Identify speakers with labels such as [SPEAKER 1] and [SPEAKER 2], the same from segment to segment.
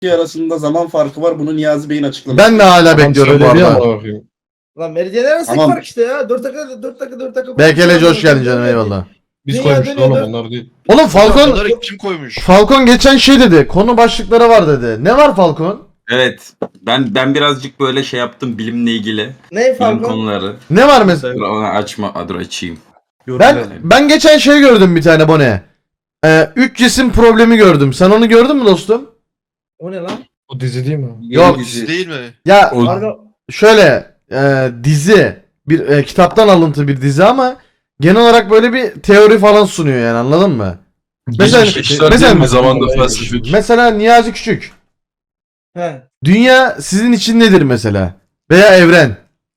[SPEAKER 1] arasında zaman farkı var. Bunu Niyazi Bey'in açıklaması.
[SPEAKER 2] Ben de hala bekliyorum bu arada.
[SPEAKER 3] Lan meridyenler arasındaki
[SPEAKER 1] Tamam.
[SPEAKER 3] fark işte ya. 4 dakika.
[SPEAKER 2] Bekeleci hoş geldin canım, eyvallah.
[SPEAKER 4] Biz
[SPEAKER 3] Dünya
[SPEAKER 4] koymuştuk
[SPEAKER 3] dönüyor
[SPEAKER 4] oğlum
[SPEAKER 3] da-
[SPEAKER 4] onlar değil.
[SPEAKER 2] Oğlum Falcon
[SPEAKER 5] Bunları kim koymuş?
[SPEAKER 2] geçen şey dedi. Konu başlıkları var dedi. Ne var Falcon?
[SPEAKER 6] Evet. Ben birazcık böyle şey yaptım bilimle ilgili.
[SPEAKER 3] Ne
[SPEAKER 6] Bilim
[SPEAKER 3] farkı?
[SPEAKER 6] konuları.
[SPEAKER 2] Ne var mesela?
[SPEAKER 6] Dur onu dur açayım.
[SPEAKER 2] Ben geçen şey gördüm bir tane Bone. 3 cisim problemi gördüm. Sen onu gördün mü dostum?
[SPEAKER 3] O ne lan?
[SPEAKER 4] O dizi değil mi?
[SPEAKER 2] Yok.
[SPEAKER 5] Dizi değil mi?
[SPEAKER 2] Ya
[SPEAKER 6] O-
[SPEAKER 3] Harbi
[SPEAKER 2] şöyle dizi bir kitaptan alıntı bir dizi ama genel olarak böyle bir teori falan sunuyor yani, anladın mı? Mesela-
[SPEAKER 4] İşler
[SPEAKER 2] mesela-
[SPEAKER 4] değil mi? Zamanda felsefik.
[SPEAKER 2] Mesela Niyazi Küçük.
[SPEAKER 3] he.
[SPEAKER 2] Dünya sizin için nedir mesela? Veya evren.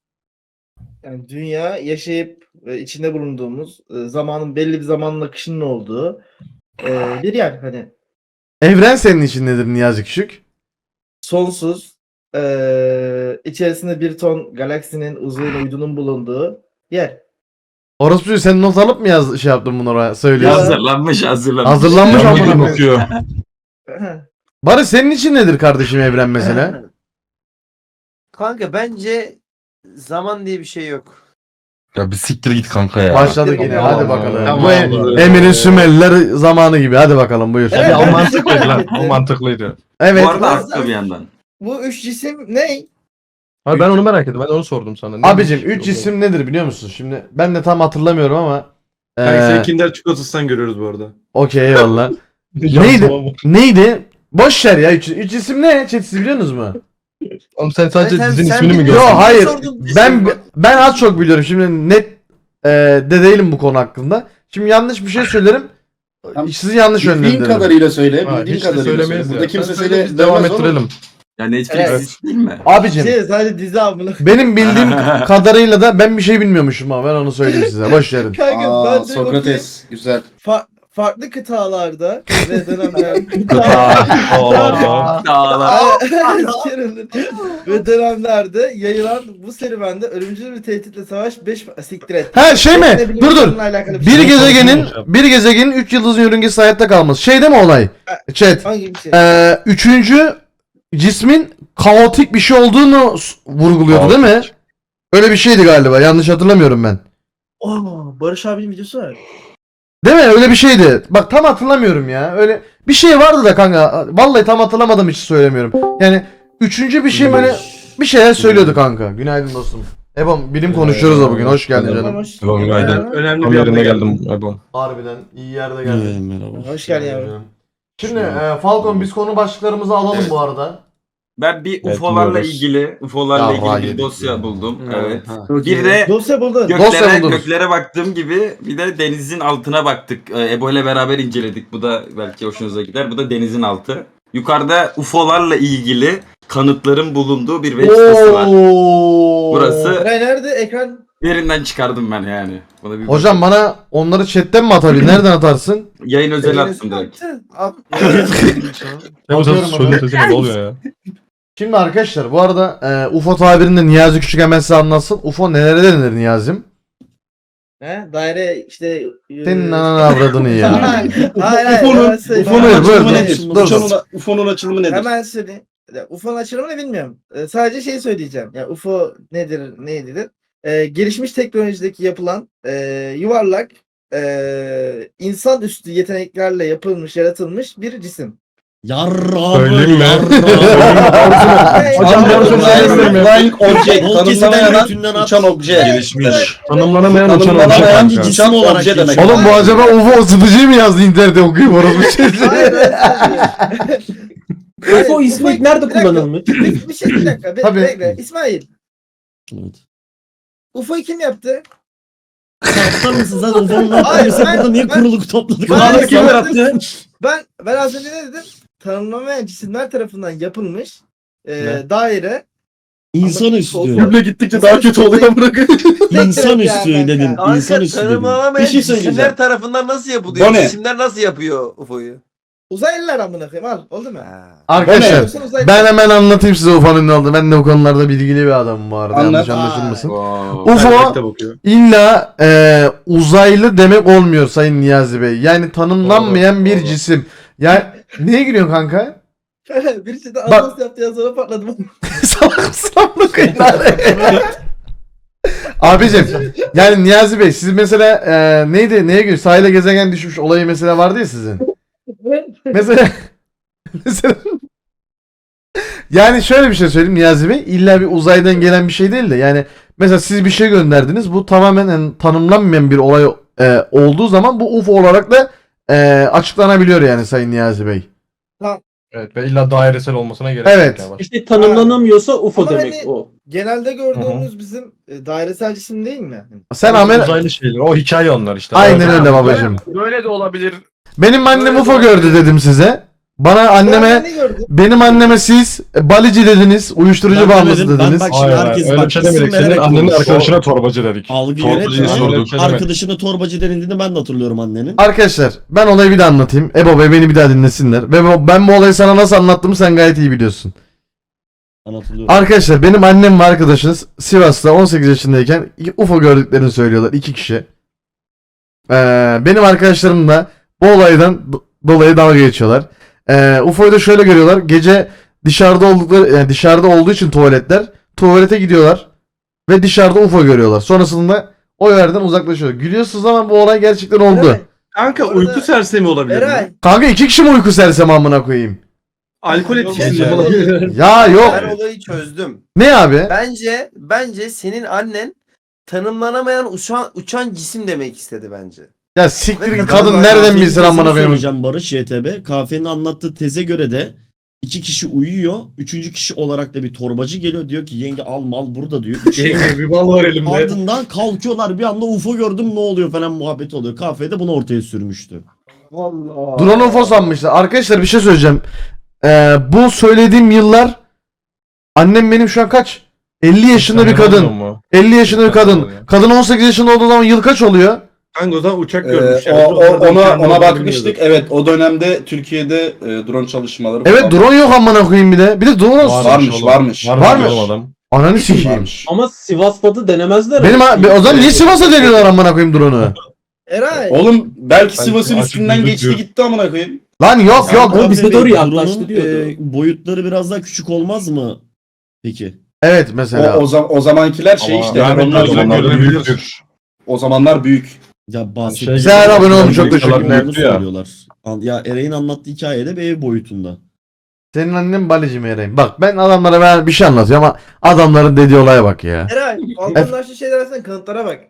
[SPEAKER 3] Yani dünya yaşayıp içinde bulunduğumuz zamanın belli bir zamanın akışının olduğu bir yer hani
[SPEAKER 2] Evren senin için nedir Niyazi Küçük?
[SPEAKER 3] sonsuz içerisinde bir ton galaksinin uzayın uydunun bulunduğu yer.
[SPEAKER 2] Orospu sen not alıp mı şey yaptın bunu oraya söylüyorsun?
[SPEAKER 6] Hazırlanmış.
[SPEAKER 2] Hazırlanmış
[SPEAKER 4] Yanlış
[SPEAKER 2] amına koyayım.
[SPEAKER 4] bakıyor.
[SPEAKER 2] Barış senin için nedir kardeşim evren mesela?
[SPEAKER 7] Kanka bence zaman diye bir şey yok.
[SPEAKER 4] Ya bir siktir git kanka ya.
[SPEAKER 2] Başladık yine, hadi bakalım.
[SPEAKER 4] Tamam,
[SPEAKER 2] Bu
[SPEAKER 4] tamam.
[SPEAKER 2] Emir'in Sümerliler zamanı gibi, hadi bakalım buyur.
[SPEAKER 3] Evet.
[SPEAKER 4] O mantıklıydı lan. O mantıklıydı.
[SPEAKER 2] Evet.
[SPEAKER 6] Bu arada haklı bir yandan.
[SPEAKER 3] Bu üç cisim ne?
[SPEAKER 4] Abi ben onu merak ettim. Ben onu sordum sana. Ne
[SPEAKER 2] Abicim
[SPEAKER 4] demiş?
[SPEAKER 2] 3 isim nedir biliyor musun? Şimdi ben de tam hatırlamıyorum ama.
[SPEAKER 8] Sen Kinder çikolatasından görüyoruz bu arada.
[SPEAKER 2] Okey eyvallah. Neydi? Neydi? Boş ver ya 3 isim ne? Chat siz biliyorsunuz mu?
[SPEAKER 4] Oğlum sen sadece
[SPEAKER 7] Sen-
[SPEAKER 4] dizinin
[SPEAKER 7] sen
[SPEAKER 4] ismini mi
[SPEAKER 7] biliyorsun.
[SPEAKER 4] gördün?
[SPEAKER 2] Yo hayır.
[SPEAKER 7] sordun?
[SPEAKER 2] Ben az çok biliyorum. Şimdi net de değilim bu konu hakkında. Şimdi yanlış bir şey söylerim.
[SPEAKER 1] Tamam.
[SPEAKER 2] Sizi yanlış
[SPEAKER 1] Bildiğin
[SPEAKER 2] yönlendiririm.
[SPEAKER 1] kadarıyla söyle.
[SPEAKER 4] Ha,
[SPEAKER 1] Bildiğin
[SPEAKER 4] hiç de
[SPEAKER 1] kadarıyla söyle.
[SPEAKER 4] söylemeyiz
[SPEAKER 1] Burada
[SPEAKER 4] ya.
[SPEAKER 1] kimse
[SPEAKER 4] Sen söyle, biz
[SPEAKER 1] devam
[SPEAKER 4] devam
[SPEAKER 1] ettirelim.
[SPEAKER 4] ettirelim.
[SPEAKER 6] Ya Netflix
[SPEAKER 3] Evet.
[SPEAKER 6] dizisi değil mi?
[SPEAKER 2] Abicim
[SPEAKER 3] Şey sadece dizi amına.
[SPEAKER 2] benim bildiğim kadarıyla da ben bir şey bilmiyormuşum ama ben onu söyleyeyim size. Boş verin.
[SPEAKER 3] Kanka
[SPEAKER 1] Aa,
[SPEAKER 3] ben de
[SPEAKER 1] Sokrates. Güzel.
[SPEAKER 3] farklı kıtalarda ve dönemlerde ve dönemlerde yayılan bu serüvende ölümcül bir tehditle savaş 5 siktir et.
[SPEAKER 2] Ha şey mi?
[SPEAKER 3] Bilim
[SPEAKER 2] Dur dur.
[SPEAKER 3] insanlarla alakalı
[SPEAKER 2] Bir
[SPEAKER 3] şey.
[SPEAKER 2] gezegenin 3 yıldızın yörüngesi hayatta kalması. Şey değil mi olay? Chat.
[SPEAKER 3] Hangi bir şey?
[SPEAKER 2] Üçüncü cismin kaotik bir şey olduğunu vurguluyordu değil mi? Öyle bir şeydi galiba. Yanlış hatırlamıyorum ben.
[SPEAKER 3] Barış abinin videosu var.
[SPEAKER 2] Değil mi? Öyle bir şeydi. Bak tam hatırlamıyorum ya. Öyle bir şey vardı da kanka. Vallahi tam hatırlamadım, hiç söylemiyorum. Yani üçüncü bir şey böyle bir şeyler söylüyordu kanka. Günaydın dostum. Ebom bilim konuşuyoruz da bugün. Hoş geldin canım.
[SPEAKER 4] Tamam, günaydın.
[SPEAKER 8] Önemli
[SPEAKER 4] Tam
[SPEAKER 8] bir
[SPEAKER 4] yerine
[SPEAKER 8] yerine
[SPEAKER 4] geldim. Ebon.
[SPEAKER 2] Harbiden iyi yerde geldin.
[SPEAKER 8] Merhaba.
[SPEAKER 3] Hoş geldin yavrum.
[SPEAKER 2] Şimdi Falcon biz konu başlıklarımızı alalım
[SPEAKER 6] Evet.
[SPEAKER 2] bu arada.
[SPEAKER 6] Ben bir
[SPEAKER 4] Evet,
[SPEAKER 6] UFO'larla
[SPEAKER 4] dinliyoruz.
[SPEAKER 6] ilgili
[SPEAKER 2] Ya,
[SPEAKER 6] bir
[SPEAKER 2] yedik
[SPEAKER 6] dosya
[SPEAKER 2] ya.
[SPEAKER 6] buldum.
[SPEAKER 1] Ha,
[SPEAKER 6] Evet.
[SPEAKER 1] ha.
[SPEAKER 6] Bir de
[SPEAKER 3] Dosya buldun.
[SPEAKER 2] Dosya buldunuz.
[SPEAKER 6] göklere baktığım gibi bir de denizin altına baktık. Ebo ile beraber inceledik. Bu da belki hoşunuza gider. Bu da denizin altı. Yukarıda UFO'larla ilgili kanıtların bulunduğu bir web sitesi var. Burası
[SPEAKER 3] Eray nerede? Ekran.
[SPEAKER 6] yerinden çıkardım ben yani. Buna bir
[SPEAKER 2] Hocam bana onları chatten mi atabilir? Nereden atarsın?
[SPEAKER 6] yayın özel attım direkt.
[SPEAKER 4] Ya sen
[SPEAKER 2] Bakıyorum
[SPEAKER 4] söyle sesine ne oluyor ya?
[SPEAKER 2] Şimdi arkadaşlar bu arada UFO tabirinde Niyazi Küçük hemen size anlatsın. UFO nelere denir Niyazi'm?
[SPEAKER 3] He? Daire işte.
[SPEAKER 2] Senin ananı avradını ya.
[SPEAKER 3] Hayır.
[SPEAKER 1] UFO'nun
[SPEAKER 2] Buyur,
[SPEAKER 1] açılımı
[SPEAKER 2] buyur,
[SPEAKER 1] nedir?
[SPEAKER 2] dur.
[SPEAKER 1] UFO'nun açılımı nedir?
[SPEAKER 3] Hemen söyleyeyim. UFO'nun açılımını bilmiyorum. Sadece şey söyleyeceğim. Yani UFO nedir, neydidir? Gelişmiş teknolojideki yapılan yuvarlak insan üstü yeteneklerle yapılmış, yaratılmış bir cisim.
[SPEAKER 4] Söyleyeyim mi?
[SPEAKER 1] Hocam
[SPEAKER 3] Hocam,
[SPEAKER 1] flying object.
[SPEAKER 5] Bol keseden
[SPEAKER 1] Tanımlamayan
[SPEAKER 5] götünden
[SPEAKER 1] uçan obje.
[SPEAKER 4] Gelişmiş. Tanımlanamayan uçan obje
[SPEAKER 1] Tanımlanamayan
[SPEAKER 4] kanka.
[SPEAKER 1] uçan
[SPEAKER 5] olarak
[SPEAKER 1] obje demek.
[SPEAKER 5] geçiyor.
[SPEAKER 2] Oğlum bu acaba UFO ısıtıcıyı mı yazdı internette okuyup orası bir şey?
[SPEAKER 3] UFO ismi nerede kullanılmış? Bir dakika.
[SPEAKER 2] Tabii.
[SPEAKER 3] Bekle. İsmail.
[SPEAKER 5] Evet.
[SPEAKER 3] UFO'yu kim yaptı?
[SPEAKER 5] Aptal mısın sen? UFO'nun
[SPEAKER 3] Hayır,
[SPEAKER 5] yaptığımızda
[SPEAKER 3] ben-
[SPEAKER 5] burada niye
[SPEAKER 3] ben-
[SPEAKER 5] kuruluk topladık?
[SPEAKER 3] Ben-
[SPEAKER 5] Kim yarattı?
[SPEAKER 3] Ben az önce ne dedim? Tanımlamayan cisimler tarafından yapılmış
[SPEAKER 4] Ne?
[SPEAKER 3] daire.
[SPEAKER 5] İnsanüstü.
[SPEAKER 1] Cümle gittikçe daha kötü oluyor bırakın.
[SPEAKER 5] İnsanüstü
[SPEAKER 3] Yani
[SPEAKER 5] dedin.
[SPEAKER 3] kanka.
[SPEAKER 5] İnsanüstü dedin.
[SPEAKER 7] Tanımlanamayan
[SPEAKER 5] Bir şey
[SPEAKER 7] cisimler
[SPEAKER 5] söyleyeceğim.
[SPEAKER 7] tarafından nasıl yapılıyor?
[SPEAKER 1] Bu ne?
[SPEAKER 7] Cisimler nasıl yapıyor UFO'yu?
[SPEAKER 3] Uzaylılar amına koyayım al. Oldu mu?
[SPEAKER 2] Arkadaşlar
[SPEAKER 3] Yoksa uzaylı-
[SPEAKER 2] ben hemen anlatayım size UFO'nun ne olduğunu. Ben de bu konularda bilgili bir adamım bu arada.
[SPEAKER 1] Anlat.
[SPEAKER 2] Yanlış anlaşılmasın.
[SPEAKER 6] Wow.
[SPEAKER 2] UFO illa uzaylı demek olmuyor Sayın Niyazi Bey. Yani tanımlanmayan bir cisim. Yani neye gülüyorsun kanka?
[SPEAKER 3] Birisi de anons yaptı ya sonra patladım.
[SPEAKER 2] Salak mısın amına koyayım? Abicim yani Niyazi Bey siz mesela neydi neye göre sahile gezegen düşmüş olayı mesela vardı ya sizin. Mesela yani şöyle bir şey söyleyeyim Niyazi Bey illa bir uzaydan gelen bir şey değil de yani mesela siz bir şey gönderdiniz bu tamamen yani, tanımlanmayan bir olay olduğu zaman bu UFO olarak da açıklanabiliyor yani Sayın Niyazi Bey.
[SPEAKER 4] Evet ve illa dairesel olmasına gerek
[SPEAKER 2] Evet.
[SPEAKER 4] yok. Yani.
[SPEAKER 1] İşte tanımlanamıyorsa UFO
[SPEAKER 3] Ama
[SPEAKER 1] demek
[SPEAKER 3] hani-
[SPEAKER 1] o.
[SPEAKER 3] Genelde gördüğümüz bizim dairesel cisim değil mi?
[SPEAKER 2] Sen
[SPEAKER 4] Uzaylı şeyler. O hikaye onlar işte.
[SPEAKER 2] Aynen öyle babacığım.
[SPEAKER 8] Böyle de olabilir.
[SPEAKER 2] Benim annem
[SPEAKER 3] Öyle
[SPEAKER 2] UFO
[SPEAKER 3] olabilir.
[SPEAKER 2] gördü dedim size. Bana anneme
[SPEAKER 3] Ben ne gördüm?
[SPEAKER 2] benim anneme siz balici dediniz, uyuşturucu
[SPEAKER 5] Ben
[SPEAKER 2] bağımlısı
[SPEAKER 5] demedim, ben
[SPEAKER 2] dediniz.
[SPEAKER 5] bak-
[SPEAKER 4] Hayır,
[SPEAKER 5] Herkes
[SPEAKER 4] öyle
[SPEAKER 5] bak,
[SPEAKER 4] bir şey
[SPEAKER 5] isim
[SPEAKER 4] demedik. Senin
[SPEAKER 5] vererek
[SPEAKER 4] annenin
[SPEAKER 5] konuş.
[SPEAKER 4] arkadaşına torbacı dedik.
[SPEAKER 5] Algı
[SPEAKER 4] Torbacıyı
[SPEAKER 5] yönetme.
[SPEAKER 4] sorduk.
[SPEAKER 5] Arkadaşına torbacı denildiğini ben de hatırlıyorum annenin.
[SPEAKER 2] Arkadaşlar ben olayı bir daha anlatayım. Ebo Bey beni bir daha dinlesinler. Ve ben bu olayı sana nasıl anlattığımı sen gayet iyi biliyorsun.
[SPEAKER 5] Ben hatırlıyorum.
[SPEAKER 2] Arkadaşlar benim annem ve arkadaşınız Sivas'ta 18 yaşındayken UFO gördüklerini söylüyorlar. 2 kişi. Benim arkadaşlarım da bu olaydan dolayı dalga geçiyorlar. UFO'yu da şöyle görüyorlar. Gece dışarıda oldukları yani dışarıda olduğu için tuvalete gidiyorlar ve dışarıda UFO görüyorlar. Sonrasında o yerden uzaklaşıyor. Gülüyorsunuz ama bu olay gerçekten oldu.
[SPEAKER 3] Eray,
[SPEAKER 8] Kanka
[SPEAKER 3] Orada-
[SPEAKER 8] uyku sersemi olabilir
[SPEAKER 3] Eray.
[SPEAKER 8] mi?
[SPEAKER 2] Kanka 2 kişi mi uyku sersem amına koyayım?
[SPEAKER 8] Alkol etkisi
[SPEAKER 4] Gece.
[SPEAKER 8] olabilir.
[SPEAKER 2] Ya yok.
[SPEAKER 7] Ben olayı çözdüm.
[SPEAKER 2] Ne abi?
[SPEAKER 7] Bence senin annen tanımlanamayan uçan cisim demek istedi bence.
[SPEAKER 2] Ya siktir git
[SPEAKER 7] Ben
[SPEAKER 2] kadın
[SPEAKER 5] Galiba
[SPEAKER 2] nereden
[SPEAKER 5] Kafe'nin
[SPEAKER 2] bilsin
[SPEAKER 5] tezini
[SPEAKER 2] amına koyayım.
[SPEAKER 5] söyleyeceğim Barış YTB. Kafe'nin anlattığı teze göre de 2 kişi uyuyor. 3. kişi olarak da bir torbacı geliyor. Diyor ki yenge al mal burada diyor.
[SPEAKER 8] Yenge bir bal var elimde.
[SPEAKER 5] Ardından kalkıyorlar bir anda UFO gördüm ne oluyor falan muhabbet oluyor. Kafede bunu ortaya sürmüştü.
[SPEAKER 3] Vallahi.
[SPEAKER 2] Drone UFO sanmışlar. Arkadaşlar bir şey söyleyeceğim. Bu söylediğim yıllar annem benim şu an kaç? 50 yaşında bir kadın. 50 yaşında bir kadın. Kadın 18 yaşında olduğu zaman yıl kaç oluyor?
[SPEAKER 8] Kanka o zaman uçak görmüş.
[SPEAKER 1] Ona bakmıştık. Evet o dönemde Türkiye'de drone çalışmaları
[SPEAKER 2] Evet
[SPEAKER 1] falan
[SPEAKER 2] drone yok amına koyayım bir de. Bir de drone
[SPEAKER 1] Varmış.
[SPEAKER 2] Varmış.
[SPEAKER 4] Adam.
[SPEAKER 2] Ananı sikeyim.
[SPEAKER 1] varmış.
[SPEAKER 9] Ama Sivas'ta denemezler.
[SPEAKER 2] Benim o zaman niye Sivas'a deniyorlar amına koyayım drone'u?
[SPEAKER 3] Eray.
[SPEAKER 1] Oğlum belki
[SPEAKER 4] Ben
[SPEAKER 1] Sivas'ın
[SPEAKER 4] açık
[SPEAKER 1] üstünden
[SPEAKER 4] gözüküyor.
[SPEAKER 1] geçti gitti amına koyayım.
[SPEAKER 2] Lan yok yok.
[SPEAKER 9] Ama bizde doğru
[SPEAKER 5] Bey,
[SPEAKER 9] yaklaştı
[SPEAKER 5] drone'un,
[SPEAKER 9] diyordu.
[SPEAKER 5] boyutları biraz daha küçük olmaz mı? Peki.
[SPEAKER 2] Evet mesela.
[SPEAKER 1] O zamankiler şey
[SPEAKER 4] Ama
[SPEAKER 1] işte.
[SPEAKER 4] yani
[SPEAKER 1] onlar
[SPEAKER 4] gözle
[SPEAKER 1] zamanlar
[SPEAKER 4] görülebilir.
[SPEAKER 1] O zamanlar büyük.
[SPEAKER 5] Ya bahsettiğim
[SPEAKER 2] Güzel abone olmuş, çok teşekkürler.
[SPEAKER 5] söylüyorlar. Ya Eray'ın anlattığı hikayede bir ev boyutunda.
[SPEAKER 2] Senin annen balici mi Eray'ım? Bak ben adamlara ben bir şey anlatıyorum ama adamların dediği olaya bak ya.
[SPEAKER 3] Eray. Balkonlaştığı şeyler arasında kanıtlara bak.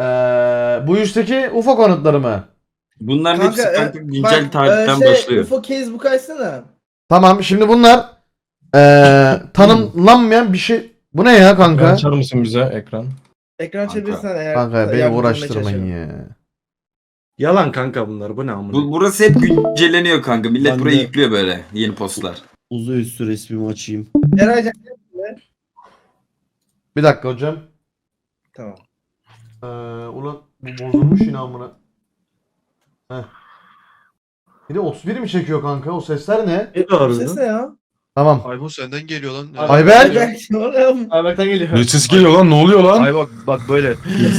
[SPEAKER 2] Bu üstteki UFO konutları mı?
[SPEAKER 6] Bunların hepsi kanka güncel
[SPEAKER 3] bak,
[SPEAKER 6] tarihten başlıyor.
[SPEAKER 3] UFO Casebook açsana.
[SPEAKER 2] Tamam şimdi bunlar tanımlanmayan bir şey. Bu ne ya kanka?
[SPEAKER 4] Açar mısın bize ekran?
[SPEAKER 3] Ekran
[SPEAKER 6] Kanka.
[SPEAKER 3] çevirsen eğer.
[SPEAKER 2] Kanka beni
[SPEAKER 3] yardımcı olmaya
[SPEAKER 2] uğraştırmayın
[SPEAKER 3] çalışıyorum.
[SPEAKER 2] ya.
[SPEAKER 8] Yalan kanka bunlar. Bu ne amına?
[SPEAKER 6] Burası hep güncelleniyor kanka. Millet
[SPEAKER 5] Ben
[SPEAKER 6] buraya
[SPEAKER 5] de-
[SPEAKER 6] yüklüyor böyle yeni postlar.
[SPEAKER 5] Uzay üstü resmimi açayım.
[SPEAKER 3] Eraycan.
[SPEAKER 2] Bir dakika hocam.
[SPEAKER 3] Tamam.
[SPEAKER 2] Ulan bu bozulmuş yine amına. Heh. Bir de 31 mi çekiyor kanka? O sesler ne?
[SPEAKER 8] Ne doğru?
[SPEAKER 3] Ses ne ya?
[SPEAKER 2] Tamam.
[SPEAKER 10] Aybo senden geliyor lan.
[SPEAKER 2] Ayber.
[SPEAKER 3] Ayberk'ten geliyor.
[SPEAKER 4] Ne ses geliyor lan? Ne oluyor lan?
[SPEAKER 8] Ay bak böyle.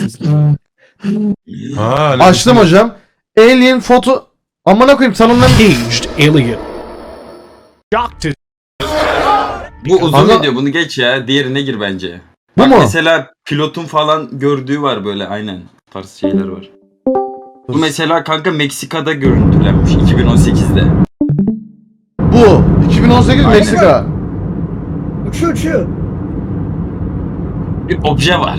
[SPEAKER 4] Ha,
[SPEAKER 2] Açtım hocam. Alien foto. Amına koyayım tanımlan.
[SPEAKER 6] Bu uzun
[SPEAKER 2] Ama-
[SPEAKER 6] video bunu geç ya. Diğerine gir bence.
[SPEAKER 2] Bu
[SPEAKER 6] Bak
[SPEAKER 2] mu?
[SPEAKER 6] mesela pilotun falan gördüğü var böyle aynen. Tarz şeyler var. Bu mesela kanka Meksika'da görüntülenmiş 2018'de.
[SPEAKER 2] Bu. 2018
[SPEAKER 3] Aynen.
[SPEAKER 2] Meksika.
[SPEAKER 3] Uçuyor.
[SPEAKER 6] Bir obje var.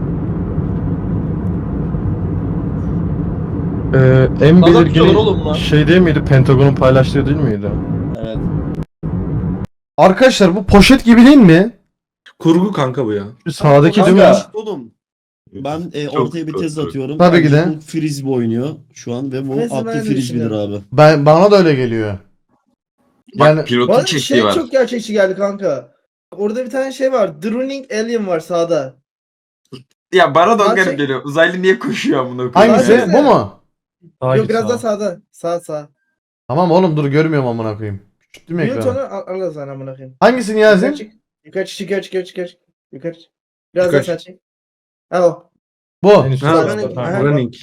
[SPEAKER 4] En
[SPEAKER 9] Salak
[SPEAKER 4] belirgin
[SPEAKER 9] diyorlar oğlum lan.
[SPEAKER 4] şey değil miydi? Pentagon'un paylaştığı değil miydi?
[SPEAKER 7] Evet.
[SPEAKER 2] Arkadaşlar bu poşet gibi değil mi?
[SPEAKER 8] Kurgu kanka bu ya.
[SPEAKER 4] Şu sağdaki
[SPEAKER 2] Kanka.
[SPEAKER 4] değil mi?
[SPEAKER 5] Oğlum. Ben ortaya bir tez atıyorum.
[SPEAKER 2] Tabii ki
[SPEAKER 5] Bence
[SPEAKER 2] de.
[SPEAKER 5] bu frisbee oynuyor şu an ve bu
[SPEAKER 3] Mesela
[SPEAKER 5] atlı
[SPEAKER 3] ben de
[SPEAKER 5] frisbee'dir
[SPEAKER 3] düşünüyorum.
[SPEAKER 5] abi.
[SPEAKER 2] Bana da öyle geliyor.
[SPEAKER 6] Bak
[SPEAKER 2] Yani-
[SPEAKER 6] pilotun
[SPEAKER 3] Bana
[SPEAKER 6] çektiği
[SPEAKER 3] şey
[SPEAKER 6] var.
[SPEAKER 3] çok gerçekçi geldi kanka. Orada bir tane şey var. Droning Alien var sağda.
[SPEAKER 6] Ya bana da o
[SPEAKER 3] Gerçek-
[SPEAKER 6] garip geliyor. Uzaylı niye koşuyor amına koyayım?
[SPEAKER 2] Hangisi?
[SPEAKER 3] Hangisi?
[SPEAKER 2] Bu mu?
[SPEAKER 3] Yok biraz daha sağda. Sağ.
[SPEAKER 2] Tamam oğlum dur görmüyorum amına koyayım. Küçülttüm
[SPEAKER 3] Mute
[SPEAKER 2] ekranı.
[SPEAKER 3] onu al sana amına koyayım.
[SPEAKER 2] Hangisi
[SPEAKER 3] Yukarı
[SPEAKER 2] Niyazi?
[SPEAKER 3] çık. Yukarı çık. Yukarı çık. Biraz
[SPEAKER 8] Yukarı
[SPEAKER 3] daha sağ çek. Al o.
[SPEAKER 2] Bu.
[SPEAKER 4] En üstte
[SPEAKER 8] Ha,
[SPEAKER 4] var.
[SPEAKER 3] running.
[SPEAKER 4] Ha.
[SPEAKER 3] Aha.
[SPEAKER 8] Running.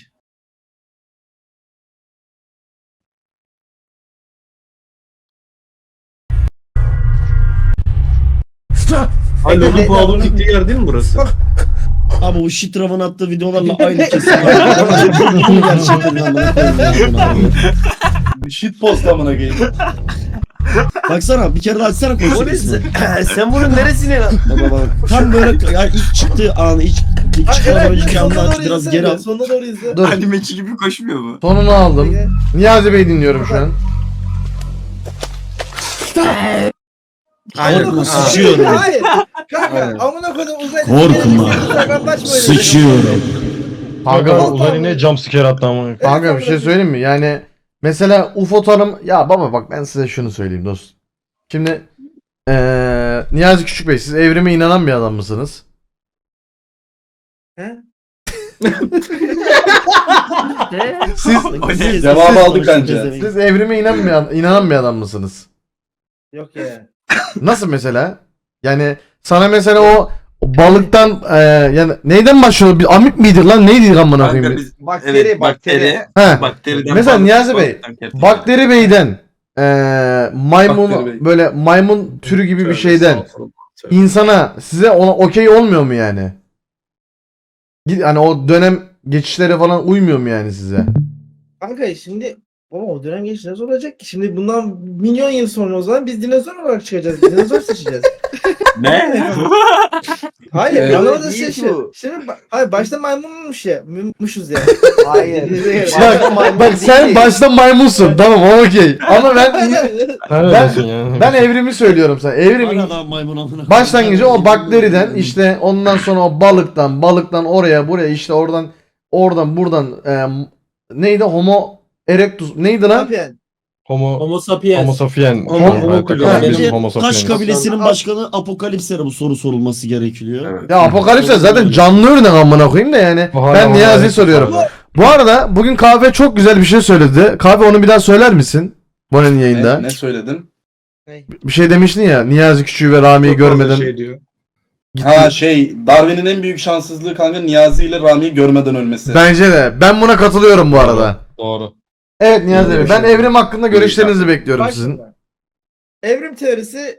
[SPEAKER 8] Alo bu Paul'un gittiği yer değil mi burası?
[SPEAKER 5] Abi o Şitrav'ın attığı videolarla aynı kesim var. Gerçekten amına koyayım ya bunu.
[SPEAKER 1] Shit post amına koyayım.
[SPEAKER 5] Baksana bir kere daha açsana
[SPEAKER 7] O ne?
[SPEAKER 5] konuşmasını.
[SPEAKER 7] Sen bunun neresine lan?
[SPEAKER 5] Baba bak. Tam böyle yani ilk çıktığı anı, ilk çıkmadan önceki anını aç, biraz geri al.
[SPEAKER 3] Sonuna doğru izle.
[SPEAKER 2] Dur.
[SPEAKER 6] Animeci gibi koşmuyor mu?
[SPEAKER 2] Sonunu aldım. Niyazi Bey dinliyorum şu an.
[SPEAKER 5] Korkma sıçıyorum.
[SPEAKER 3] Hayır. Kanka amına koydum uzay.
[SPEAKER 5] Korkma. Sıçıyorum.
[SPEAKER 4] Kanka
[SPEAKER 2] Kanka,
[SPEAKER 4] uzay yine jumpscare attı ama.
[SPEAKER 2] kanka bir şey söyleyeyim mi? Yani mesela UFO tanım... Ya baba bak ben size şunu söyleyeyim dostum. Şimdi Niyazi Küçük Bey siz evrime inanan bir adam mısınız? Siz
[SPEAKER 1] Cevabı aldık bence.
[SPEAKER 2] siz evrime inanan bir adam mısınız?
[SPEAKER 3] Yok ya.
[SPEAKER 2] Nasıl mesela? Yani sana mesela o balıktan yani neyden başlıyor? Bir amip miydi lan? Neydi amına
[SPEAKER 6] Kanka
[SPEAKER 2] koyayım?
[SPEAKER 6] biz
[SPEAKER 7] Bakteri,
[SPEAKER 6] evet
[SPEAKER 7] bakteri.
[SPEAKER 2] He.
[SPEAKER 6] bakteriden
[SPEAKER 2] Mesela
[SPEAKER 6] balık-
[SPEAKER 2] Niyazi Bey,
[SPEAKER 6] balıktan kertenkele.
[SPEAKER 2] Bakteri Bey'den maymun
[SPEAKER 1] Bakteri Bey.
[SPEAKER 2] böyle maymun türü gibi bir şeyden insana size ona okey olmuyor mu yani? Hani o dönem geçişlere falan uymuyor mu yani size?
[SPEAKER 3] Kanka şimdi ama o dönem geçti nasıl olacak ki? Şimdi bundan milyon yıl sonra o zaman biz dinozor olarak çıkacağız. Dinozor seçeceğiz.
[SPEAKER 6] Ne?
[SPEAKER 3] Hayır,
[SPEAKER 1] Evet.
[SPEAKER 3] anlamadığın
[SPEAKER 7] Değil
[SPEAKER 3] şey şu.
[SPEAKER 7] bu.
[SPEAKER 3] Şimdi hayır başta maymunmuş ya. Muymuşuz ya.
[SPEAKER 7] Hayır.
[SPEAKER 2] Bak sen başta maymunsun tamam o okey. Ama ben
[SPEAKER 4] Sen öyle diyorsun yani.
[SPEAKER 2] ben evrimi söylüyorum sana. Evrimin
[SPEAKER 5] Hala daha maymun amına.
[SPEAKER 2] başlangıcı o bakteriden işte ondan sonra o balıktan oraya buraya işte oradan buradan neydi homo erectus neydi lan?
[SPEAKER 3] Yapıyorsun.
[SPEAKER 4] Homo
[SPEAKER 9] sapiens.
[SPEAKER 4] sapien.
[SPEAKER 8] Homo
[SPEAKER 5] Bence
[SPEAKER 4] Homo
[SPEAKER 5] taş
[SPEAKER 4] sapiens.
[SPEAKER 5] kabilesinin başkanı Apokalips'e bu soru sorulması gerekiyor.
[SPEAKER 6] Evet.
[SPEAKER 2] Ya Apokalips'e zaten canlı örnek amına koyayım da yani.
[SPEAKER 4] Hala
[SPEAKER 2] Ben
[SPEAKER 4] Homo
[SPEAKER 2] Niyazi'ye
[SPEAKER 4] erectus
[SPEAKER 2] soruyorum.
[SPEAKER 4] hala.
[SPEAKER 2] Bu arada bugün kahve çok güzel bir şey söyledi. Kahve onu bir daha söyler misin? Bonen'in yayında.
[SPEAKER 1] Ne söyledim?
[SPEAKER 2] Bir şey demiştin ya. Niyazi Küçüğü ve Rami'yi görmeden.
[SPEAKER 8] Şey diyor.
[SPEAKER 1] Ha Darwin'in en büyük şanssızlığı kanka Niyazi ile Rami'yi görmeden ölmesi.
[SPEAKER 2] Bence de. Ben buna katılıyorum bu arada.
[SPEAKER 4] Doğru.
[SPEAKER 2] Evet Niyazi Bey. Ben
[SPEAKER 1] Şey-
[SPEAKER 2] evrim hakkında görüşlerinizi bekliyorum sizin.
[SPEAKER 3] Başla. Evrim teorisi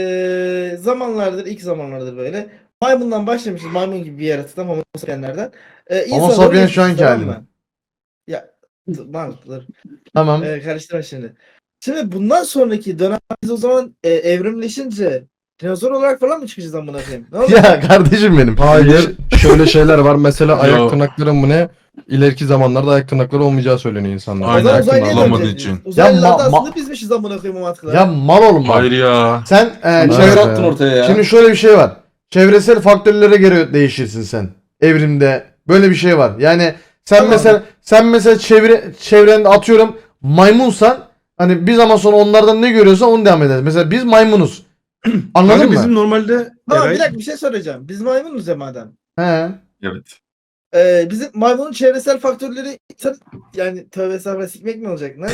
[SPEAKER 3] ilk zamanlardır böyle. Maymundan başlamışız. Maymun gibi bir yaratıktan Homo sapienslerden.
[SPEAKER 2] Homo sapiens şu anki hali mi?
[SPEAKER 3] Ya mantıklı.
[SPEAKER 2] Tamam.
[SPEAKER 3] Karıştırma şimdi. Şimdi bundan sonraki dönem biz o zaman evrimleşince dinozor olarak falan mı çıkacağız amına koyayım? Ne olacak?
[SPEAKER 2] Ya kardeşim benim.
[SPEAKER 4] Hayır. Şöyle şeyler var. Mesela
[SPEAKER 8] Yo.
[SPEAKER 4] ayak tırnakları mı ne? İleriki zamanlarda ayak tırnakları olmayacağı söyleniyor insanlar.
[SPEAKER 3] O
[SPEAKER 8] Aynen,
[SPEAKER 3] zaman
[SPEAKER 8] ayak
[SPEAKER 3] uzaylıya
[SPEAKER 8] tırnağı olmadığı
[SPEAKER 3] döneceğiz biz.
[SPEAKER 8] için.
[SPEAKER 3] Uzaylılar da
[SPEAKER 2] Ya
[SPEAKER 3] aslında bizmişiz amına koyayım o mantıkla.
[SPEAKER 2] Ya mal oğlum bak.
[SPEAKER 8] Hayır ya.
[SPEAKER 2] Sen
[SPEAKER 1] Çevre
[SPEAKER 2] çevre...
[SPEAKER 1] attın ortaya ya.
[SPEAKER 2] Şimdi şöyle bir şey var. Çevresel faktörlere göre değişirsin sen. Evrimde böyle bir şey var. Yani
[SPEAKER 3] Tamam.
[SPEAKER 2] sen mesela çevrende atıyorum maymunsan hani bir zaman sonra onlardan ne görüyorsan onu devam edersin. Mesela biz maymunuz. Anladın
[SPEAKER 8] Kanka
[SPEAKER 2] mı?
[SPEAKER 8] bizim normalde
[SPEAKER 3] Tamam
[SPEAKER 8] Eray-
[SPEAKER 3] bir dakika bir şey soracağım. Biz maymunuz ya madem.
[SPEAKER 2] He.
[SPEAKER 6] Evet.
[SPEAKER 3] Bizim maymunun çevresel faktörleri yani tövbe estağfurullah sikmek mi olacak? Ne?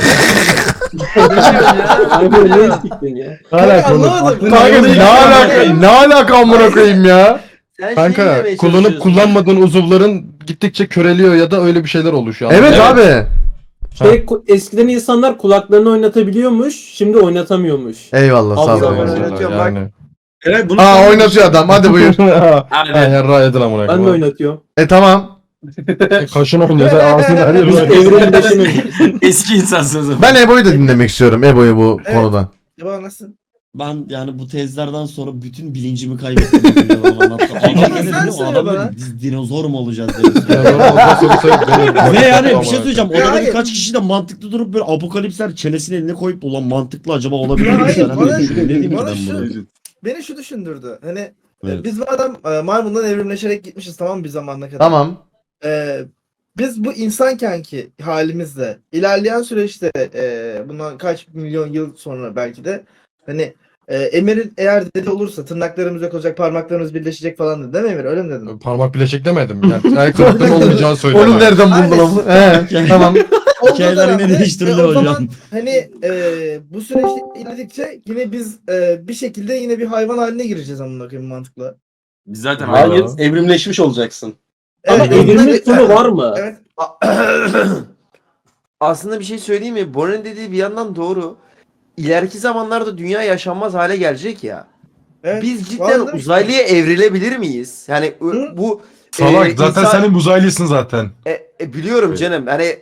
[SPEAKER 9] Abi ne istiktin ya?
[SPEAKER 3] Kanka anlamadım.
[SPEAKER 2] Kanka ne alaka amına koyayım ya?
[SPEAKER 7] Sen
[SPEAKER 4] Kanka
[SPEAKER 7] demeye
[SPEAKER 4] kullanıp
[SPEAKER 7] çalışıyorsun.
[SPEAKER 4] kullanmadığın uzuvların gittikçe köreliyor ya da öyle bir şeyler oluşuyor.
[SPEAKER 2] Evet abi.
[SPEAKER 9] Eskiden insanlar kulaklarını oynatabiliyormuş, şimdi oynatamıyormuş.
[SPEAKER 2] Eyvallah sağ
[SPEAKER 9] Abi,
[SPEAKER 2] ol.
[SPEAKER 9] ben oynatıyorum, bak.
[SPEAKER 4] Yani.
[SPEAKER 8] Eray bunu
[SPEAKER 2] Aa oynatıyor adam hadi buyur.
[SPEAKER 4] Aynen rayedin amına
[SPEAKER 9] Ben de oynatıyorum.
[SPEAKER 2] Tamam.
[SPEAKER 4] Kaşın oynuyor sen ağzını her
[SPEAKER 9] Biz
[SPEAKER 4] yerine.
[SPEAKER 9] evrimleşimiz.
[SPEAKER 6] Eski insansınız ama.
[SPEAKER 2] Ben Ebo'yu da dinlemek istiyorum. Ebo'yu bu
[SPEAKER 3] Evet.
[SPEAKER 2] konuda.
[SPEAKER 3] Acaba nasıl?
[SPEAKER 5] Ben yani bu tezlerden sonra bütün bilincimi kaybettim. Adam
[SPEAKER 3] Sen
[SPEAKER 5] dedi, o
[SPEAKER 3] söyle
[SPEAKER 5] adam
[SPEAKER 3] bana.
[SPEAKER 5] dedi, biz dinozor mu olacağız dedi.
[SPEAKER 4] Ve
[SPEAKER 5] Ve yani bir şey söyleyeceğim.
[SPEAKER 3] Ya
[SPEAKER 5] Odada
[SPEAKER 3] hayır.
[SPEAKER 5] birkaç kişi de mantıklı durup böyle apokalipsler çenesini eline koyup ulan mantıklı acaba olabilir
[SPEAKER 3] Ya
[SPEAKER 5] mi?
[SPEAKER 3] hayır,
[SPEAKER 5] Hani
[SPEAKER 3] bana-
[SPEAKER 5] ne diyeyim ki
[SPEAKER 3] bana
[SPEAKER 5] ben
[SPEAKER 3] şu-
[SPEAKER 5] bunu?
[SPEAKER 3] Beni şu düşündürdü. Hani
[SPEAKER 5] Evet.
[SPEAKER 3] biz madem maymundan evrimleşerek gitmişiz tamam mı bir zamana kadar.
[SPEAKER 2] Tamam.
[SPEAKER 3] Biz bu insankenki halimizle ilerleyen süreçte bundan kaç milyon yıl sonra belki de hani Emir'in eğer dedi olursa tırnaklarımız yok olacak parmaklarımız birleşecek falan dedi değil mi Emir öyle mi dedin?
[SPEAKER 4] Parmak bileşik demedim. Yani ayak tırnakların olmayacağı söylüyorum.
[SPEAKER 2] Onu nereden buldun ama? He, tamam.
[SPEAKER 5] Hikayeler yine
[SPEAKER 3] dönemde,
[SPEAKER 5] değiştirildi
[SPEAKER 3] o zaman
[SPEAKER 5] hocam.
[SPEAKER 3] hani bu süreçte ilerledikçe yine biz bir şekilde yine bir hayvan haline gireceğiz amına koyayım mantıkla.
[SPEAKER 6] Biz zaten
[SPEAKER 1] Hayır, evrimleşmiş olacaksın.
[SPEAKER 9] Ama
[SPEAKER 3] Evet,
[SPEAKER 9] evrimin sonu var mı?
[SPEAKER 3] Evet.
[SPEAKER 7] Aslında bir şey söyleyeyim mi? Bora'nın dediği bir yandan doğru. İleriki zamanlarda dünya yaşanmaz hale gelecek ya.
[SPEAKER 3] Evet,
[SPEAKER 7] Biz cidden
[SPEAKER 3] vallahi-
[SPEAKER 7] uzaylıya evrilebilir miyiz? Yani
[SPEAKER 3] Hı?
[SPEAKER 7] bu
[SPEAKER 8] Salak zaten
[SPEAKER 7] insan-
[SPEAKER 8] senin uzaylısın zaten.
[SPEAKER 7] biliyorum canım. Hani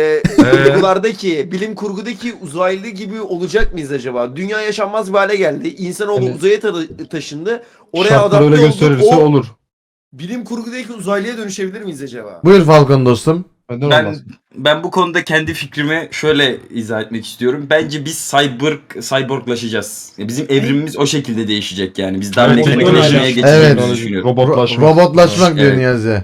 [SPEAKER 7] bilim kurgudaki uzaylı gibi olacak mıyız acaba? Dünya yaşanmaz bir hale geldi. İnsanoğlu
[SPEAKER 4] Hani-
[SPEAKER 7] uzaya taşındı. Oraya
[SPEAKER 4] Şartlar
[SPEAKER 7] adapte
[SPEAKER 4] öyle
[SPEAKER 7] oldu.
[SPEAKER 4] gösterirse
[SPEAKER 7] O
[SPEAKER 4] olur.
[SPEAKER 7] bilim kurgudaki uzaylıya dönüşebilir miyiz acaba?
[SPEAKER 2] Buyur Falcon dostum.
[SPEAKER 4] Neden
[SPEAKER 6] Ben
[SPEAKER 4] olmaz?
[SPEAKER 6] ben bu konuda kendi fikrimi şöyle izah etmek istiyorum. Bence biz cyborglaşacağız. Bizim evrimimiz o şekilde değişecek yani. Biz daha
[SPEAKER 8] Evet,
[SPEAKER 6] mekanikleşmeye
[SPEAKER 8] evet.
[SPEAKER 6] geçeceğimizi
[SPEAKER 2] Evet.
[SPEAKER 6] düşünüyorum.
[SPEAKER 4] Robotlaşma.
[SPEAKER 2] Robotlaşmak diyor
[SPEAKER 6] Evet.
[SPEAKER 2] Niyazi.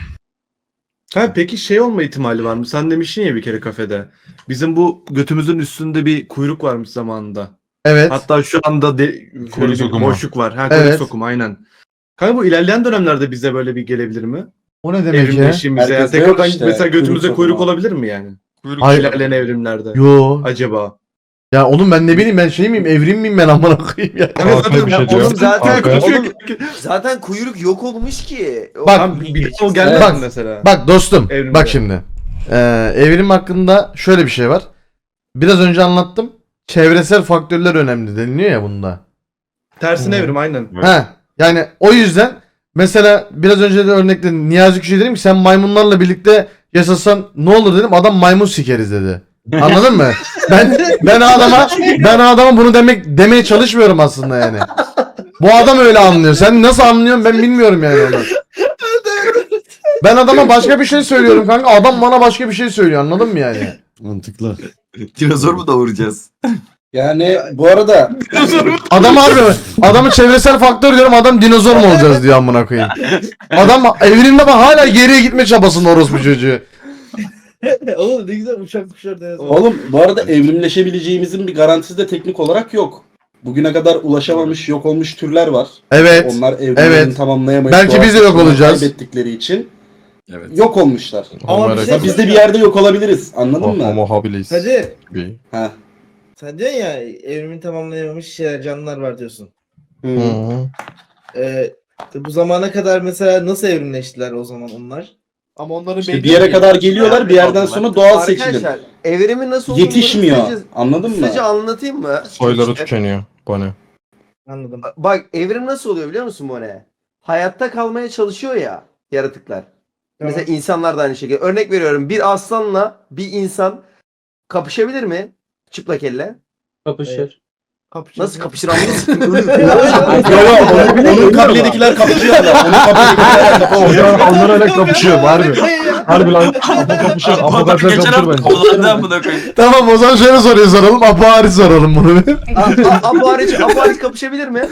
[SPEAKER 8] Ha, peki şey olma ihtimali var mı? Sen demiştin ya bir kere kafede. Bizim bu götümüzün üstünde bir kuyruk varmış zamanında.
[SPEAKER 2] Evet.
[SPEAKER 8] Hatta şu anda şöyle
[SPEAKER 1] Kuyruk
[SPEAKER 8] bir
[SPEAKER 1] sokumu.
[SPEAKER 8] boşluk var. Ha, kuyruk
[SPEAKER 2] Evet.
[SPEAKER 8] sokumu aynen. Kanka bu ilerleyen dönemlerde bize böyle bir gelebilir mi?
[SPEAKER 2] O ne demek ya?
[SPEAKER 8] Evrimleştiğimizde. Yani
[SPEAKER 1] Herkeste
[SPEAKER 8] tekrardan
[SPEAKER 1] yok işte,
[SPEAKER 8] mesela götümüze
[SPEAKER 1] kuyruk
[SPEAKER 8] kuyruk
[SPEAKER 1] sokumu.
[SPEAKER 8] olabilir mi yani?
[SPEAKER 2] Hayır.
[SPEAKER 8] İlerleyen evrimlerde.
[SPEAKER 2] Yo.
[SPEAKER 8] Acaba.
[SPEAKER 2] Ya oğlum ben ne bileyim ben şey miyim evrim miyim ben amına koyayım ya.
[SPEAKER 8] Evet,
[SPEAKER 4] Arkaya bir şey diyor.
[SPEAKER 7] Oğlum zaten
[SPEAKER 4] Arkaya.
[SPEAKER 7] zaten kuyruk yok olmuş ki.
[SPEAKER 2] Bak,
[SPEAKER 8] Tamam, bir de o gelmez
[SPEAKER 2] Bak,
[SPEAKER 8] mi mesela?
[SPEAKER 2] Bak dostum
[SPEAKER 8] Evrimde.
[SPEAKER 2] bak şimdi. Evrim hakkında şöyle bir şey var. Biraz önce anlattım. Çevresel faktörler önemli deniliyor ya bunda.
[SPEAKER 8] Tersine evrim aynen.
[SPEAKER 2] Ha yani o yüzden mesela biraz önce de örnekte Niyazi Küçük'e dedim ki sen maymunlarla birlikte yaşasan ne olur dedim. Adam maymun sikeriz dedi. Anladın mı? Ben adama bunu demeye çalışmıyorum aslında yani. Bu adam öyle anlıyor. Sen nasıl anlıyorsun ben bilmiyorum yani onu. Ben adama başka bir şey söylüyorum kanka. Adam bana başka bir şey söylüyor. Anladın mı yani?
[SPEAKER 5] Mantıklı.
[SPEAKER 6] Dinozor mu doğuracağız?
[SPEAKER 1] Yani bu arada
[SPEAKER 2] Adam harbi mi? Adamı çevresel faktör diyorum. Adam dinozor mu olacağız diyor amına koyayım. Adam evrimde bak hala geriye gitme çabasında orospu çocuğu.
[SPEAKER 3] Oğlum ne güzel uçak kuşlar deniz.
[SPEAKER 1] oğlum bu arada evrimleşebileceğimizin bir garantisi de teknik olarak yok. Bugüne kadar ulaşamamış, yok olmuş türler var.
[SPEAKER 2] Evet.
[SPEAKER 1] Onlar evrimlerini
[SPEAKER 2] Evet.
[SPEAKER 1] tamamlayamayıp
[SPEAKER 2] Belki biz de yok
[SPEAKER 1] doğasını
[SPEAKER 2] olacağız.
[SPEAKER 1] kaybettikleri için
[SPEAKER 6] Evet.
[SPEAKER 1] yok olmuşlar.
[SPEAKER 3] Ama bir şey
[SPEAKER 1] Ya biz de bir yerde yok olabiliriz. Anladın mı?
[SPEAKER 4] Homo habilis.
[SPEAKER 3] Hadi.
[SPEAKER 4] gibi.
[SPEAKER 1] Ha.
[SPEAKER 3] Sen diyorsun ya evrimin tamamlayamamış şeyler, canlılar var diyorsun.
[SPEAKER 1] Hı.
[SPEAKER 3] Bu zamana kadar mesela nasıl evrimleştiler o zaman onlar?
[SPEAKER 7] Ama onların
[SPEAKER 1] İşte bir yere kadar geliyorlar, bir yerden sonra doğal seçilim.
[SPEAKER 7] Arkadaşlar evrimin nasıl olduğunu
[SPEAKER 1] Yetişmiyor.
[SPEAKER 7] kısaca-
[SPEAKER 1] Anladın mı?
[SPEAKER 7] Kısaca anlatayım mı?
[SPEAKER 4] Soyları
[SPEAKER 7] İşte,
[SPEAKER 4] tükeniyor. Bu ne?
[SPEAKER 3] Anladım.
[SPEAKER 7] bak evrim nasıl oluyor biliyor musun bu ne? Hayatta kalmaya çalışıyor ya yaratıklar.
[SPEAKER 3] Tamam.
[SPEAKER 7] Mesela insanlar da aynı şekilde. Örnek veriyorum bir aslanla bir insan kapışabilir mi? Çıplak elle.
[SPEAKER 9] Kapışır.
[SPEAKER 7] Nasıl kapışır anladın mı?
[SPEAKER 1] Onun kabiledekiler kapışıyor da. Onun kabiledekiler kapışıyor.
[SPEAKER 4] Onlar öyle kapışıyor harbi. Harbi lan. Apo kapışıyor. Apo
[SPEAKER 6] Geçen
[SPEAKER 4] kapışıyor
[SPEAKER 6] hafta
[SPEAKER 4] bence.
[SPEAKER 6] kovalandı amına koyayım.
[SPEAKER 2] Tamam o zaman şöyle soruyu soralım. Apo soralım bunu bir.
[SPEAKER 7] Apo hariç kapışabilir mi?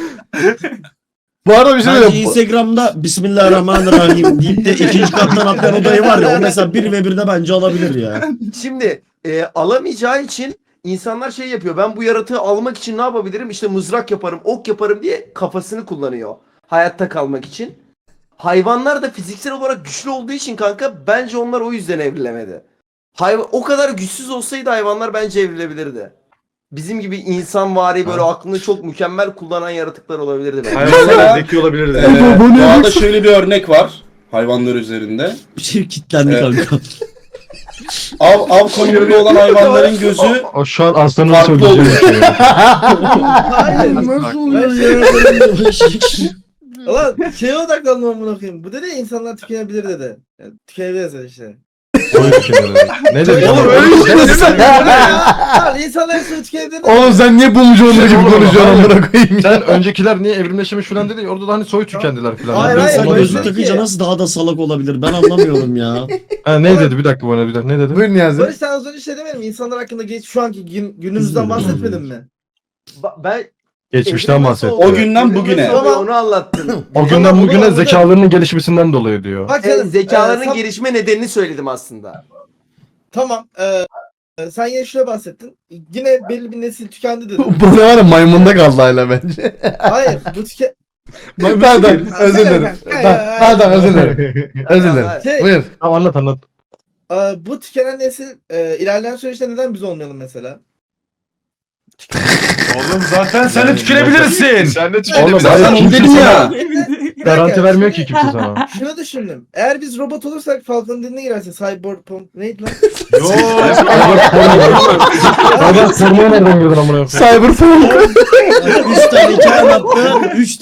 [SPEAKER 2] Bu arada bir şey
[SPEAKER 5] Bence
[SPEAKER 2] diyeyim.
[SPEAKER 5] Instagram'da Bismillahirrahmanirrahim deyip de ikinci kattan atlayan odayı var ya o mesela 1 ve 1'de bence alabilir ya.
[SPEAKER 7] Şimdi alamayacağı için insanlar şey yapıyor. Ben bu yaratığı almak için ne yapabilirim? İşte mızrak yaparım, ok yaparım diye kafasını kullanıyor. Hayatta kalmak için. Hayvanlar da fiziksel olarak güçlü olduğu için kanka bence onlar o yüzden evrilemedi. O kadar güçsüz olsaydı hayvanlar bence evrilebilirdi. Bizim gibi insanvari böyle aklını çok mükemmel kullanan yaratıklar olabilirdi bence.
[SPEAKER 8] Hayvanlar zeki olabilir de.
[SPEAKER 1] Doğada şöyle bir örnek var. Hayvanlar üzerinde.
[SPEAKER 5] Bir şey kilitlendi kanka.
[SPEAKER 1] Av konumunda olan hayvanların gözü
[SPEAKER 4] O şu an aslanın
[SPEAKER 1] farklı
[SPEAKER 4] söyleyeceği bir
[SPEAKER 1] oluyor.
[SPEAKER 4] şey.
[SPEAKER 3] Hayır.
[SPEAKER 5] Nasıl
[SPEAKER 3] oluyor
[SPEAKER 5] ya?
[SPEAKER 3] Ulan şeye odaklandım amına koyayım. Bu dedi ya insanlar tükenebilir dedi. Yani, tükenebiliriz dedi işte.
[SPEAKER 4] Soy tükenir. Ne dedi?
[SPEAKER 2] Oğlum öyle işte.
[SPEAKER 3] Lan insanlar hepsini tükenebilir dedi.
[SPEAKER 2] Oğlum sen niye bumcu onları gibi
[SPEAKER 4] Oğlum,
[SPEAKER 2] konuşuyorsun
[SPEAKER 4] hayır.
[SPEAKER 2] amına koyayım ya?
[SPEAKER 4] Sen öncekiler niye evrimleşmiş falan dedi. Orada da hani soy tükendiler falan.
[SPEAKER 3] Hayır,
[SPEAKER 5] Ben
[SPEAKER 3] hayır,
[SPEAKER 5] sana
[SPEAKER 3] böyle
[SPEAKER 5] gözlük
[SPEAKER 3] değil
[SPEAKER 5] takınca
[SPEAKER 3] ki.
[SPEAKER 5] nasıl daha da salak olabilir ben anlamıyorum ya.
[SPEAKER 4] Ha, ne dedi? Bir dakika bana bir dakika. Ne dedi?
[SPEAKER 2] Buyur Niyazi.
[SPEAKER 3] Barış sen az önce şey demedin mi? İnsanlar hakkında şu anki günümüzden bahsetmedin mi?
[SPEAKER 7] Ben
[SPEAKER 4] Geçmişten
[SPEAKER 7] evrim
[SPEAKER 4] bahset.
[SPEAKER 7] nasıl oluyor?
[SPEAKER 1] O günden
[SPEAKER 7] Evrim
[SPEAKER 1] bugüne.
[SPEAKER 7] nasıl oluyor? Onu anlattın.
[SPEAKER 4] O günden
[SPEAKER 3] Tamam,
[SPEAKER 4] bugüne
[SPEAKER 3] anladım.
[SPEAKER 4] zekalarının gelişmesinden dolayı diyor.
[SPEAKER 3] Bak canım,
[SPEAKER 7] Zekalarının
[SPEAKER 3] sen-
[SPEAKER 7] gelişme nedenini söyledim aslında.
[SPEAKER 3] Tamam. Sen yine şöyle bahsettin. Yine belli bir nesil tükendi dedin.
[SPEAKER 2] Bu ne var ya maymunda kaldı hala bence.
[SPEAKER 3] Hayır bu
[SPEAKER 2] Pardon özür dilerim. Pardon özür dilerim. Özür dilerim.
[SPEAKER 3] Şey,
[SPEAKER 2] Buyur.
[SPEAKER 4] Tamam anlat.
[SPEAKER 3] bu tükenen nesil ilerleyen süreçte neden biz olmayalım mesela?
[SPEAKER 8] Oğlum zaten sen de tükenebilirsin.
[SPEAKER 4] Sen de
[SPEAKER 1] Oğlum
[SPEAKER 4] Zaten
[SPEAKER 1] zaten onu
[SPEAKER 4] kimse
[SPEAKER 1] dedim
[SPEAKER 4] sana
[SPEAKER 1] ya.
[SPEAKER 4] garanti vermiyor ki kimse sana.
[SPEAKER 3] Şunu düşündüm. Eğer biz robot olursak Falcon'un diline girerse Cyberpunk neydi lan?
[SPEAKER 4] Adam sormaya nereden girdin amına koyayım?
[SPEAKER 2] Cyberpunk.
[SPEAKER 5] 3 tane hikaye anlattı. 3